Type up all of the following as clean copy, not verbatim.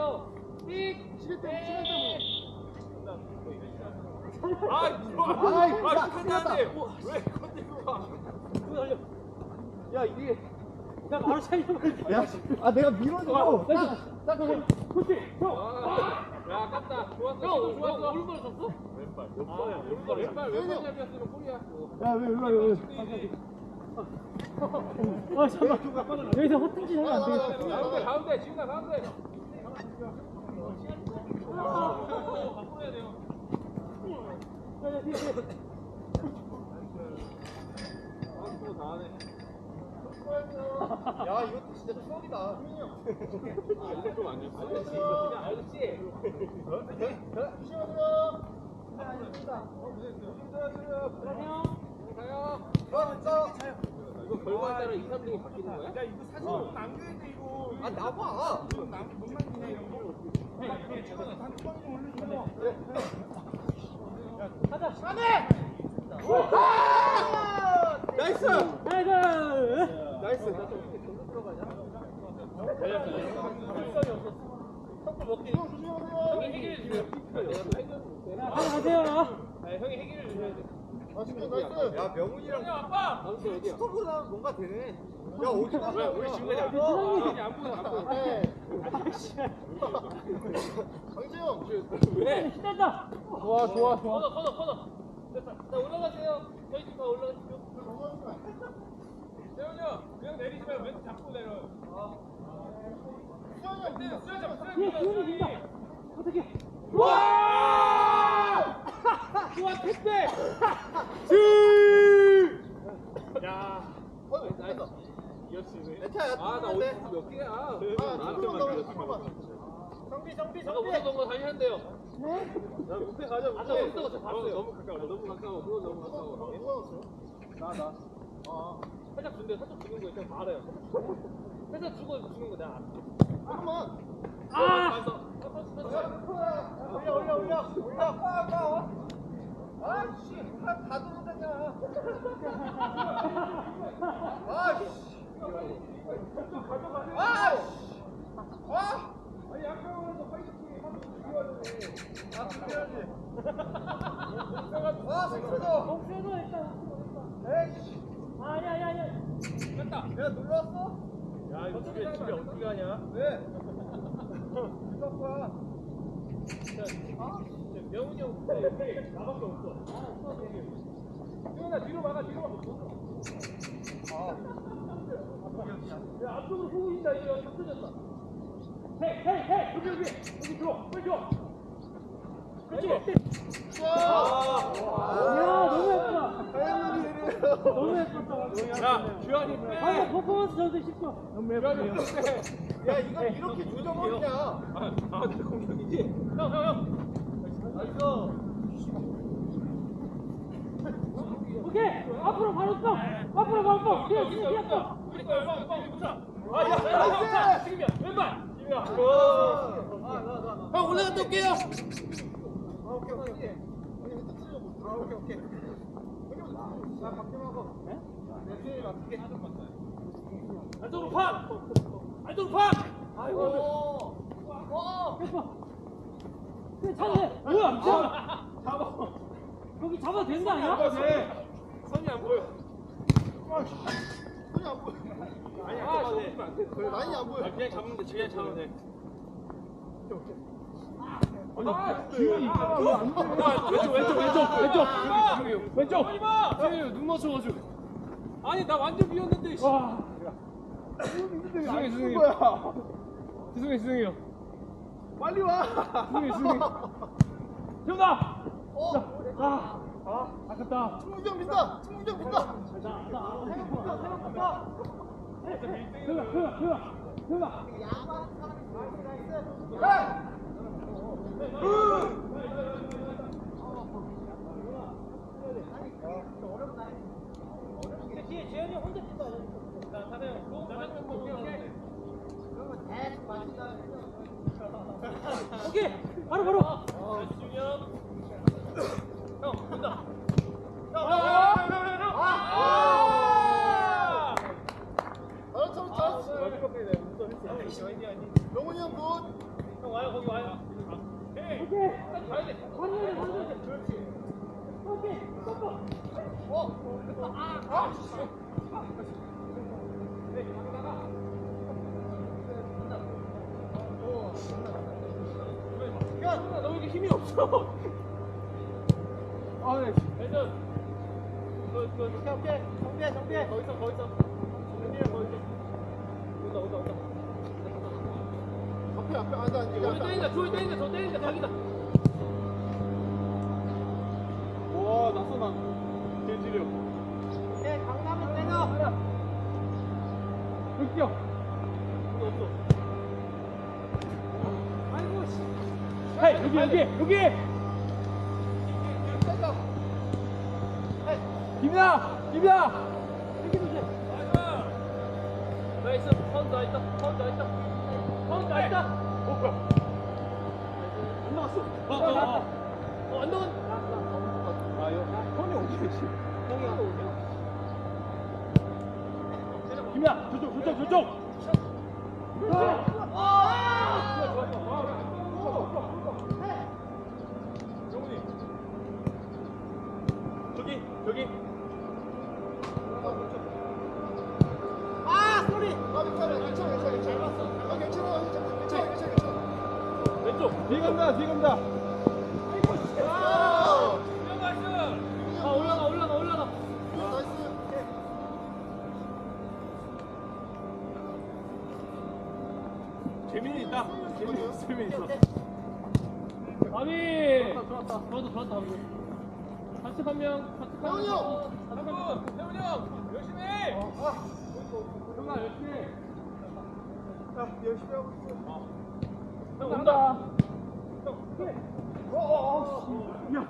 왜 건들고 가? 야 이게 야 바로 차이면 야, 아 내가 밀어줘. 그렇지 형. 야 깠다. 좋았어. 좋았어. 오른발 쳤어? 왼발. 왼발 잡이었으면 골이야. 야 왜 일로 와 왜? 잠깐만 여기서 헛짓 하면 안 되겠다. 가운데 지훈아 가운데. 바꿔야 돼요. 야 이것도 진짜 추억이다. 수민이 형. 이거 좀 아니었어? 알겠지? 이거 결과에 따라 2, 3등이 바뀌는 거야? 야 이거 사진 남겨야 돼 이거. 아 나봐. 못 남기네 이런 거. 단톡방에 좀 올려줘. 가자. 안해. 나이스. 나이스. 형이 해결해 주셔야 돼. 아 진짜 나이스. 야 명훈이랑 아빠. 스톱보다 뭔가 되네. 야 어디 갔어? 우리 지금까지 안 보여. 안 보여. 강재영. 왜? 신난다. 좋아. 커너. 됐다. 자 올라가세요. 저희 집 올라가시죠. 세훈이 형, 그냥 내리지 말고 왼쪽 잡고 내려. 기운이 빈다. 어떻게? 와! 좋아 택배. 야. 나이스. 이었지. 괜찮아. 아나 어디 몇 개야? 나한테만 들렸어. 정비. 아까 못했던 거 다시 한대요. 야 무패 가자. 아까 못했던 거저 봤어요. 너무 가까워. 그건 너무 가까워. 나. 살짝 준대. 살짝 주는 거 있잖아. 말해요. 살짝 주고 주는 거 내가 알아. 잠깐만. 올려. 아씨, 다 들어오잖냐. 아씨. 아니 약간으로 파이팅 준비해야지. 생겨줘. 목표도 일단. 에이씨. 아야. 됐다. 내가 눌렀어? 야 이거 집에 어떻게 하냐? 왜? 누가 거야? 명훈이 형 근데 나밖에 없어. 형아 뒤로 막아. 야 앞쪽으로 보고 있다. 이거 다 터졌다. 헤이 여기 들어. 빨리 들어. 그렇지. 야 너무 예쁘다. 너무 예쁘다. 야 주현이 빼. 퍼포먼스 저도 싶어. 너무 예쁘네요. 야 이거 이렇게 조져버리냐? 내 공격이지. 형. 오케이. 앞으로 바로 써. 그냥 써. 우리 거야. 빨리 붙여. 야, 지금이야. 왼발. 지금이야. 형 올라갔다 올게요. 오케이. 오케이. 나 박경하고. 내 수영이 맞게. 안쪽으로 팍. 아이고. 그래 차도 돼. 뭐야? 잡아. 여기 잡아도 되는 거 아니야? 선이 안 보여. 손이 안 보여. 아니야. 그래 라인이 안 보여. 그냥 잡으면 돼. 그냥 잡으면 돼. 왼쪽. 지금 눈 맞춰가지고. 아니 나 완전 비었는데. 와. 죄송해요. 빨리 와. 정답. 아깝다. 충무경 민다. 그가. 뒤에 재현이 혼자 뛴다. 오케이. 바로. 형 본다. 잘했어. 명훈이 형 굿. 형 와요 거기 와요. 오케이. 가야 돼. 그렇지. 오케이. 뽀뽀. 야, 너 왜 이렇게 힘이 없어? 아, 네. 대전. 오케이. 정비해. 거기 있어. 정비해 거기 있어. 온다. 앞에, 앉아. 조이 때린다. 저 때린다. 자기다. 와, 낯선아. 개지려. 오케이, 강남은 때려. 흑겨. 없어. 아이고 씨. 헤이, 여기. 김이야. 이렇게 보세요. 나이스. 파운드 다 있다. 어, 뭐야. 안 나갔어. 안 나간. 아, 형이 어디 계시? 형이야. 김이야, 저쪽. 정훈이. 저기. 왼쪽. 뒤에 간다. 올라가. 재민이 있다. 재민이 있어. 아비. 좋았다. 같이 한 명. 태훈이 형! 태훈이 형. 열심히 해. 형아, 열심히 해. 야, 열심히 하고 있어. 형 온다. 야.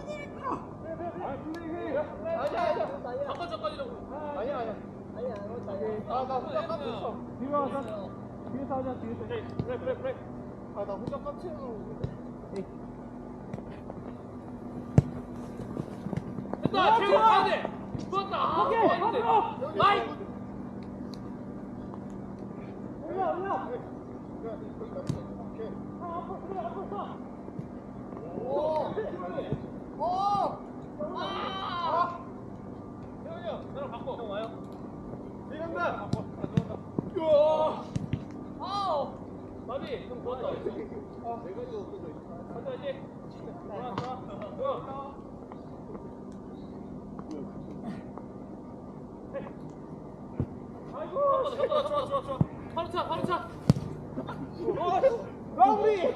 잠깐이라고. 아니야. 나 혼자 깜짝했어. 뒤로 와서. 뒤에서 하자. 그래. 나 혼자 깜짝했어. 됐다. 채우 가야 돼. 좋았다. 오케이. 앞으로. 마이. 올라. 오케이. 앞으로 써. 태훈이 형, 나랑 바꿔. 형 와요. 들어간다. 마비, 형 좋았다. 간다 이제. 좋아. 좋아. 바로 차. 마무리.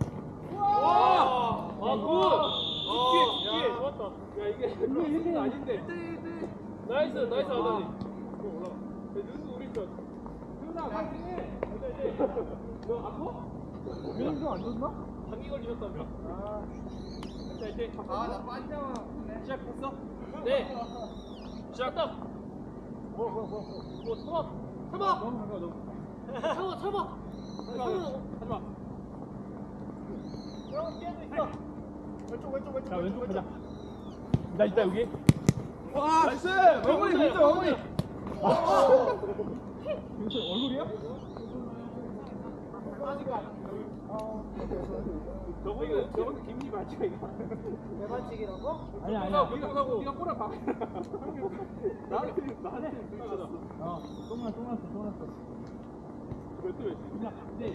와! 굿! 뒤에 좋았다. 야, 이게 아닌데. 나이스, 아다니. 올라가. 눈도 우리 편. 누나, 파이팅해. 너 아파? 민수 안 좋나? 감기 걸리셨다며. 자, 이제. 나 빠지잖아. 시작했어? 네. 시작했다. 뭐, 참아. 너무 가까워, 너무. 참아. 하지마. 왼쪽. 자, 왼쪽 가자. 나 있다, 여기. 와, 나이스! 마무리, 민수, 마무리! 민수, 얼굴이야? 저거는 김이 맞지, 이거? 내 반칙이라고? 아니야. 네가 꼬라 박. 나한테 그러잖아. 똥났어. 몇대 몇이야?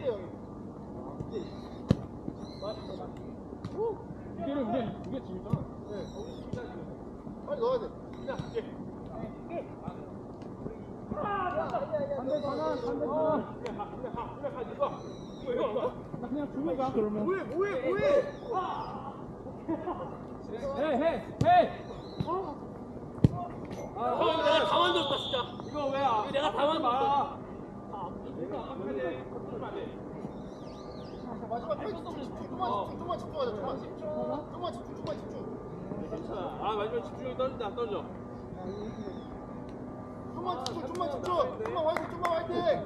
이게는 그냥 이게 재밌잖아. 빨리 넣어야 돼. 반대 전환. 나 그냥 주고 가, 그러면. 뭐해? 해. 내가 다 만들었다 진짜. 이거 왜 안? 이거 내가 다 만들었다. 마지막 좀만 집중하자. 좀만 집중. 괜찮아. 아 마지막 집중력이 떨어져. 좀만 집중. 좀만 화이팅.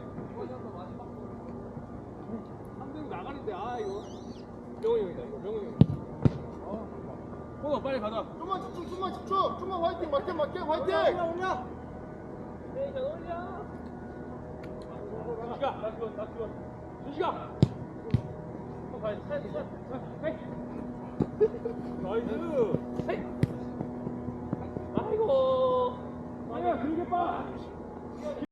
3등 나가는데 아 이거. 명훈이 형이다 이거. 명훈이 형. 호너 빨리 가자. 좀만 집중. 좀만 화이팅. 맞게 화이팅. 올려. 네, 올려. 시가. 나 죽어. 시가. 나이스. 아이고. 아니야, 길게 빠.